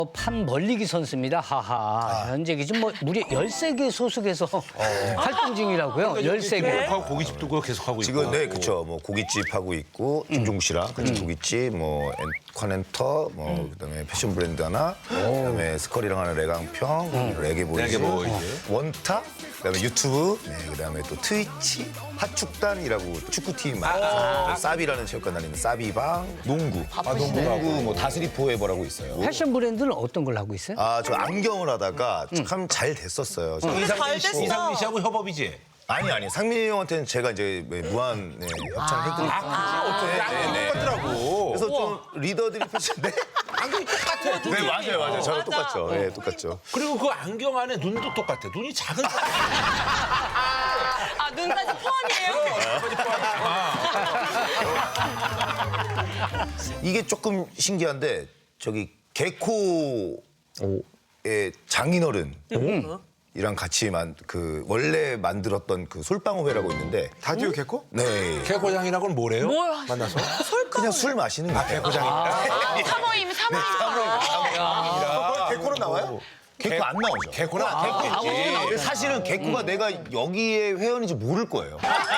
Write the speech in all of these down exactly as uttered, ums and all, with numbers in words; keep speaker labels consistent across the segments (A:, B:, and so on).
A: 판 벌리기 선수입니다. 하하. 현재 기준 뭐 무려 열세 개 소속에서 활동 중이라고요. 열세 개.
B: 하고 고깃집도 그거 계속 하고 있고.
C: 지금 네 그렇죠. 뭐 고깃집 하고 있고 김종국 씨랑 같이 고깃집, 뭐 앤컨앤터, 뭐 그다음에 패션 브랜드 하나, 그다음에 스컬이랑 하는 레강평, 레게보이즈,
B: 레게보이즈.
C: 원타, 그다음에 유튜브, 네, 그다음에 또 트위치, 하축단이라고 축구팀 많아요. 사비라는 체육관 다니는 사비방, 농구, 아, 농구, 농구 뭐 다스리 포에버라고 있어요.
A: 패션 브랜드는 어떤 걸 하고 있어요?
C: 아, 저 안경을 하다가 참 잘 됐었어요.
B: 이상민 씨,
D: 됐어.
B: 이상민 씨하고 협업이지.
C: 아니 아니 상민이 형한테는 제가 이제 무한 네, 협찬을 했거든요.
B: 아,
C: 네, 네.
B: 똑같더라고.
C: 그래서 좀 리더들이 패션데
B: 안경이 똑같아.
C: 네 맞아요 맞아요 저랑
D: 맞아.
C: 똑같죠. 네 똑같죠.
B: 그리고 그 안경 안에 눈도 똑같아. 눈이 작은 사람.
D: 아, 눈까지 포함이에요?
C: 이게 조금 신기한데 저기 개코의 장인어른 이랑 같이 만 그 원래 만들었던 그 솔방울회라고 있는데
E: 다디오 개코?
C: 네
B: 개고장이라고는 뭐래요?
D: 뭘
B: 만나서?
C: 그냥 술 마시는 거예요.
B: 개고장이.
D: 사모임, 사모임.
E: 개코는 나와요?
C: 개코 안 나오죠.
B: 개고는 안 개고 있지.
C: 사실은 개코가 내가 여기에 회원인지 모를 거예요.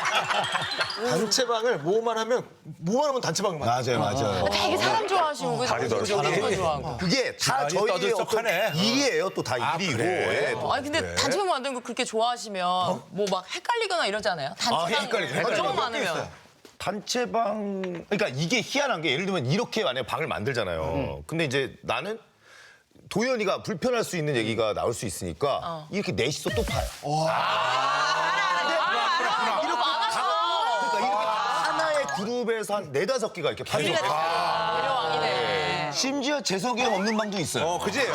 E: 단체방을 뭐만 하면 뭐만 하면 단체방만.
C: 맞아요 맞아요.
D: 되게 사람 좋아하시고 그죠?
E: 다리도
D: 사람 좋아하고.
C: 그게 다
B: 집안이
C: 저희의 어떤
B: 떠들썩하네.
C: 일이에요. 또 다
B: 아,
C: 일이고.
B: 그래?
C: 예, 또.
D: 아니 근데 단체방 만드는 거 그렇게 좋아하시면 뭐 막 헷갈리거나 이러잖아요. 단체방
C: 헷갈리죠. 헷갈리죠.
D: 조금 많으면.
C: 단체방 그러니까 이게 희한한 게 예를 들면 이렇게 만약 방을 만들잖아요. 근데 이제 나는 도현이가 불편할 수 있는 얘기가 나올 수 있으니까 이렇게 넷이서 또 파요. 그러니까 이렇게 하나의 그룹에서 한 네다섯 개가 이렇게 파요.
D: 대령왕이네.
C: 심지어 재석이 형 없는 방도 있어요.
B: 어, 그지?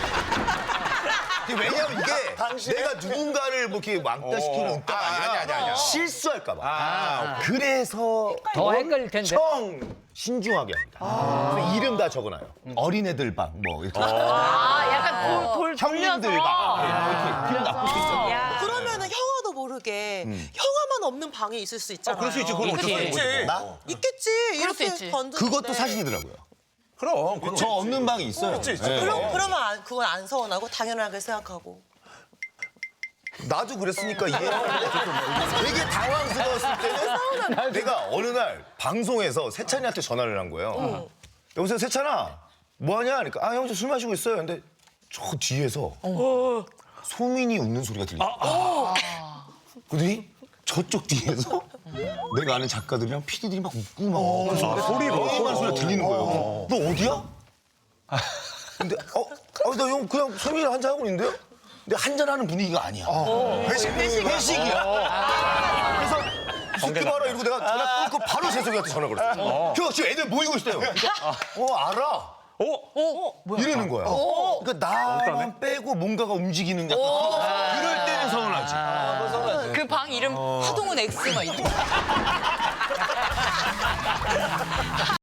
C: 왜냐면 이게 내가 누군가를 뭐 이렇게 왕따시키는 응따가
B: 아,
C: 아니라
B: 아니, 아니, 아니야.
C: 실수할까 봐.
B: 아,
C: 그래서
A: 더 헷갈릴 텐데.
C: 엄청 신중하게 합니다. 그래서 이름 다 적어놔요. 어린애들 방, 뭐 이렇게.
D: 아, 약간 돌, 돌
C: 형님들
D: 돌려서.
C: 방. 네, 이렇게 기분 나쁠 수 있잖아요.
F: 그러면은 형아도 모르게 형아만 없는 방이 있을 수 있잖아요.
B: 그럴 수 있지. 그건 어쩔 수 없지.
D: 있겠지.
C: 나?
F: 있겠지.
D: 그럴 수
F: 이렇게
D: 있지.
F: 건드는데.
C: 그것도 사실이더라고요.
B: 그럼. 그건
C: 저 없는 방이 있어요. 네.
F: 그럼 그러면 안- 그건 안 서운하고 당연하게 생각하고.
C: 나도 그랬으니까 이해. 되게 당황스러웠을 때는 내가 어느 날 방송에서 세찬이한테 전화를 한 거예요. 여보세요 세찬아 뭐하냐? 그러니까 아 형 저 술 마시고 있어요. 근데 저 뒤에서 소민이 웃는 소리가 들려. 그러더니 저쪽 뒤에서 내가 아는 작가들이랑 피디들이 막 웃고 막 소리 막 소리가 들리는 거예요. 너 어디야? 근데 어, 아, 나 형 그냥 소민이랑 한잔 하고 있는데요? 근데 한잔하는 분위기가 아니야. 회식, 회식이야. 그래서 듣기 봐라 이러고 내가 전화 끊고 바로 재석이한테 전화 걸었어. 형 지금 애들 모이고 있어요. 어 알아. 어? 어? 이러는 거야. 그러니까 나만 빼고 뭔가가 움직이는 약간 그럴 때는 서운하지.
D: 그 방 이름 화동은 X 막 이런.